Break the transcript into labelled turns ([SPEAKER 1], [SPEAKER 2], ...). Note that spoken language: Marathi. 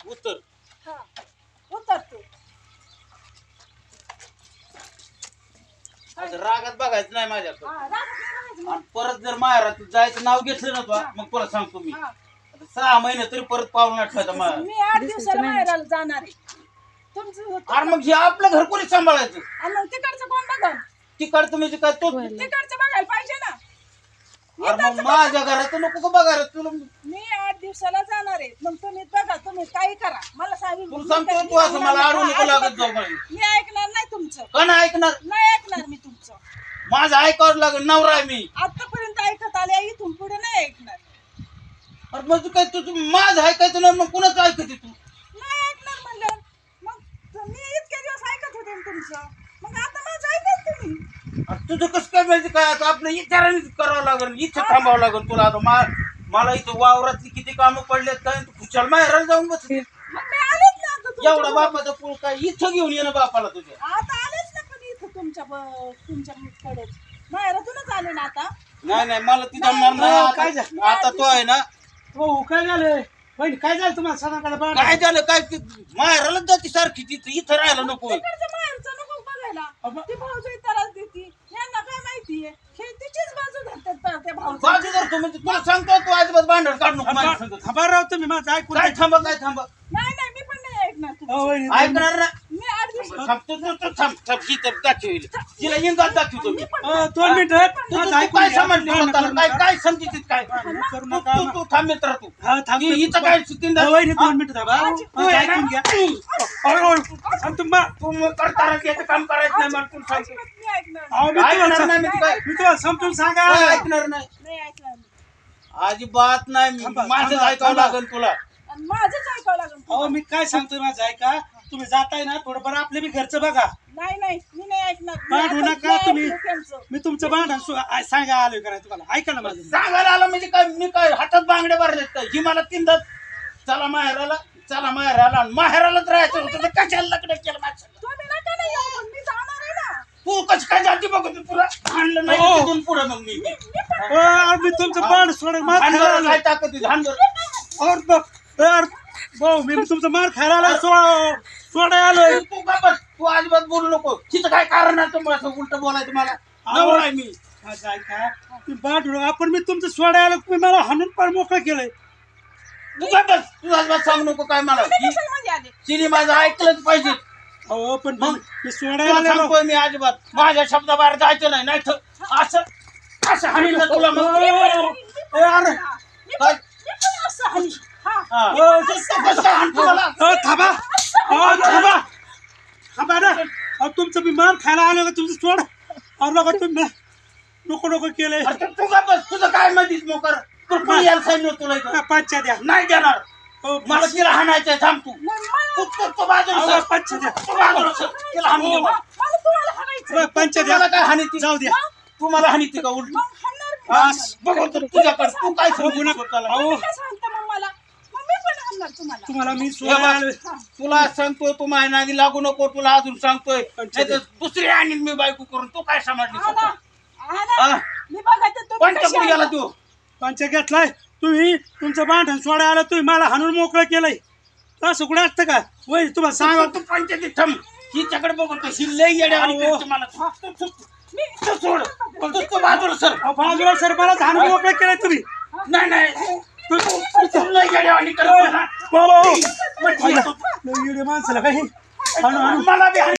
[SPEAKER 1] उत्तर
[SPEAKER 2] हा उतर तू.
[SPEAKER 1] आता रागात बघायचं नाही माझ्याकडे.
[SPEAKER 2] हा रागात नाही राहायचं मग.
[SPEAKER 1] आणि परत जर माहेरात जायचं नाव घेतलं ना तू मग तुला सांगतो मी.
[SPEAKER 2] हा.
[SPEAKER 1] आता 6 महिने तरी परत पावलं आठवायचं मला.
[SPEAKER 2] मी 8 दिवसाला माहेराला जाणार आहे. तुमचं
[SPEAKER 1] अरे मग हे आपलं घर कोणी सांभाळायचं?
[SPEAKER 2] आणि मग तिकडचं कोण बघन?
[SPEAKER 1] तिकडचं म्हणजे काय तो?
[SPEAKER 2] तिकडचं बघायला पाहिजे ना.
[SPEAKER 1] अरे मग माझ्या घराचं नको का बघायला तुला?
[SPEAKER 2] मी 8 दिवसाला जाणार आहे. मग तुम्ही बघा, तुम्ही काही करा, मला सांगू.
[SPEAKER 1] तुला सांगतो तू असं मला आडू नको लागत जाऊ मला.
[SPEAKER 2] मी ऐकणार नाही तुमचं.
[SPEAKER 1] का नाही ऐकणार?
[SPEAKER 2] नाही ऐकणार मी तुमचं.
[SPEAKER 1] माझं ऐकावं लागेल. नवरा आहे मी.
[SPEAKER 2] आतापर्यंत ऐकत आले, इथून पुढे नाही ऐकणार.
[SPEAKER 1] अरे मग तू काय तू माझं ऐकायचं ना मग कुणाचं ऐकते तू?
[SPEAKER 2] नाही ऐकणार म्हणलं. मग मी इतके दिवस ऐकत होते ना तुमचं, मग आता माझं ऐकत तुम्ही.
[SPEAKER 1] अरे तुझं कसं काय म्हणजे काय आता आपल्या विचारानेच करावं लागेल. इथं थांबावं लागेल तुला. आता मला इथं वावरातली किती कामं पडलेत काय तू खुशाल माहेराला जाऊन बसते.
[SPEAKER 2] मग मी आलेच ना आता तुमच्या
[SPEAKER 1] एवढा बापाचा पूल काय इथं घेऊन ये ना बापाला तुझ्या.
[SPEAKER 2] आता आलेच ना पण इथं तुमच्याकडेच माहेरातूनच आले ना आता.
[SPEAKER 1] नाही मला ती जमणार नाही.
[SPEAKER 3] काय
[SPEAKER 1] आता आता तो आहे ना.
[SPEAKER 3] हो काय झालं बहिणी? काय झालं तुम्हाला सणाकडे
[SPEAKER 1] काय झालं काय ती माहेरालाच जाते सारखी तिथं इथं राहायला नको.
[SPEAKER 2] तिकडचं माहेरचं नको बघायला. ती भाऊजी त्रास देती, यांना काय माहितीये? हे तिचीच बाजू धरतात त्या भाऊजी.
[SPEAKER 1] बाजू जर तू म्हणजे तुला सांगतो तू अजिबात भांडण काढू नको माझ्या संग.
[SPEAKER 3] थांबा राव तुम्ही माझं ऐकून
[SPEAKER 1] काय थांबा काय थांबा
[SPEAKER 2] नाही नाही मी पण नाही ऐकणार तुमचं.
[SPEAKER 3] अहो, वहिनी,
[SPEAKER 1] ऐकणार ना.
[SPEAKER 2] मी 8 दिवस
[SPEAKER 1] थांब तू थांब ही तर दाखवील तिला इंगात दाखवतो मी.
[SPEAKER 3] 2 मिनिटं
[SPEAKER 1] तू
[SPEAKER 3] माझं
[SPEAKER 1] तू
[SPEAKER 3] ऐकून
[SPEAKER 1] काय
[SPEAKER 3] घ्या.
[SPEAKER 1] समजली स्वतःला? काय काय समजितीत काय
[SPEAKER 3] करू नका
[SPEAKER 1] तू थांब मित्र तू.
[SPEAKER 3] हा थांब
[SPEAKER 1] हिचं काय चुकींदा
[SPEAKER 3] वहिनी 2 मिनिटं थांबा माझं ऐकून घ्या. आणि तुम्हा
[SPEAKER 1] तू करता याचं काम करायचं नाही मला तुला सांगतो.
[SPEAKER 2] अजिबात मी ऐकणार नाही.
[SPEAKER 3] अहो, मी
[SPEAKER 1] ऐकणार
[SPEAKER 3] तुम्हाला
[SPEAKER 1] नाही मी काय
[SPEAKER 3] मी तुम्हाला समजून सांगा.
[SPEAKER 1] काय ऐकणार नाही.
[SPEAKER 2] नाही ऐकणार मी.
[SPEAKER 1] अजिबात नाही.
[SPEAKER 3] थांबा,
[SPEAKER 1] माझं
[SPEAKER 3] थांबा,
[SPEAKER 1] ऐकावं
[SPEAKER 3] थांबा.
[SPEAKER 1] लागेल तुला.
[SPEAKER 2] आणि माझंच ऐकावं लागेल.
[SPEAKER 3] अहो मी काय सांगतोय माझं ऐका. तुम्ही जाताय ना थोडंफार आपले बी घरचं बघा.
[SPEAKER 2] नाही नाही मी नाही ऐकणार. मी
[SPEAKER 3] भांडू
[SPEAKER 2] आता
[SPEAKER 3] नका
[SPEAKER 2] नाही
[SPEAKER 3] तुम्ही.
[SPEAKER 2] ऐकलं त्यांचं.
[SPEAKER 3] मी तुमचं भांडण सांगा आलोय करा तुम्हाला. ऐका ना माझं.
[SPEAKER 1] सांगायला आलं म्हणजे काय मी काय हातात बांगड्या भरलेत काय? ही मला तीनदा चला माहेराला आणि माहेरालाच राहायचं होतं तर कशाला लग्न केलं माझं?
[SPEAKER 2] तुम्ही नका ना येऊ, पण मी जाणार आहे ना.
[SPEAKER 1] तू कशी काय जाती बघ तुला भांडलं नाही
[SPEAKER 3] हो.
[SPEAKER 1] तिथून पुढे मग मी
[SPEAKER 2] मी पण
[SPEAKER 3] मी तुमचं भांड सोडून मार खायला
[SPEAKER 1] भांडण
[SPEAKER 3] आलोय.
[SPEAKER 1] काय ताकद आहे? भांडण
[SPEAKER 3] भाऊ मी तुमचं मार खायला आलोय. सोडाय आलोय.
[SPEAKER 1] तू का बस तू अजिबात बोलू नको. तिथं काय कारण आहे तुम्हाला असं उलट बोलायचं मला? नवरा आहे मी.
[SPEAKER 3] माझं ऐका तुम्ही भांडू नका. आपण मी तुमचं सोडाय आलो तुम्ही मला हाणून पार मोकळं केलंय.
[SPEAKER 1] तू का बस तू अजिबात सांगू नको काय मला.
[SPEAKER 2] कशाला मध्ये आले?
[SPEAKER 1] तिने माझं ऐकलंच पाहिजे.
[SPEAKER 3] अहो पण
[SPEAKER 1] मग
[SPEAKER 3] मी सोडायला
[SPEAKER 1] तुला
[SPEAKER 3] आलेलो.
[SPEAKER 1] सांगतोय मी अजिबात माझ्या शब्दाबाहेर जायचं नाही. नाही तर असं हाणील ना तुला मग.
[SPEAKER 3] अरे
[SPEAKER 1] काय?
[SPEAKER 2] मी पण असं हल्ली. हा.
[SPEAKER 1] हा. तू कसं काय हाणतो मला?
[SPEAKER 3] थांबा थांबा ना. अहो तुमचं मी मार खायला आलो का तुमचं सोड. अरे नका तुम्ही नको केलंय.
[SPEAKER 1] अरे तू का बस तुझं काय माहितीस मोकर? तू कोणी यायला सांगितलं तुला इथं?
[SPEAKER 3] पंचा द्या.
[SPEAKER 1] नाही देणार. मला तिला हाणायचंय. थांब तू तू बाजूला सर.
[SPEAKER 3] पंचा द्या.
[SPEAKER 1] तू बाजूला सर. तिला हाणू दे मला.
[SPEAKER 2] मला तुम्हाला हाणायचं.
[SPEAKER 3] पंचा
[SPEAKER 1] तुम्हाला
[SPEAKER 3] द्या.
[SPEAKER 1] काय हानीती?
[SPEAKER 3] जाऊ द्या.
[SPEAKER 1] तू मला हानीती का उलट?
[SPEAKER 2] मग हाणणार मी.
[SPEAKER 1] बघू तर तुझ्याकडे तू काय
[SPEAKER 3] बघू
[SPEAKER 1] समजू
[SPEAKER 3] नका.
[SPEAKER 1] स्वतःला?
[SPEAKER 3] अहो
[SPEAKER 2] काय सांगता मग मला? मग मी पण हाणणार तुम्हाला.
[SPEAKER 3] तुम्हाला मी
[SPEAKER 1] हे
[SPEAKER 3] सोडायला
[SPEAKER 1] बघ,
[SPEAKER 3] आलोय.
[SPEAKER 1] तुला सांगतोय तू माझ्या नादी लागू नको. तुला अजून सांगतोय
[SPEAKER 3] पंचायत.
[SPEAKER 1] नाहीतर दुसरी आणीन मी बायको करून. तू काय समजली
[SPEAKER 2] हाणा.
[SPEAKER 1] स्वतः?
[SPEAKER 2] हाणा.
[SPEAKER 1] हा?
[SPEAKER 2] मी बघायचं तुम्ही
[SPEAKER 1] पंच
[SPEAKER 2] कशी
[SPEAKER 1] कुठे गेला
[SPEAKER 2] हाणता.
[SPEAKER 1] तू?
[SPEAKER 3] पंचा घेतलाय. तुम्ही तुमचं भांडण सोडायला आलं तुम्ही मला हाणून मोकळं केलंय. असं कुठं असतं का? वय तुम्हाला सांगा.
[SPEAKER 1] तू पंचायतीत थांब. हिच्याकडे बघू कशी लई येड्यावानी
[SPEAKER 3] अहो.
[SPEAKER 1] करते मला. तू सोड. तू बाजूला सर.
[SPEAKER 3] बाजूला सर मला हाणून मोकळं केलंय तुम्ही.
[SPEAKER 1] नाही तू लई येड्यावानी करते मला.
[SPEAKER 3] बाबा
[SPEAKER 1] म्हणजे
[SPEAKER 3] माणसाला काही हाणून
[SPEAKER 1] मला बी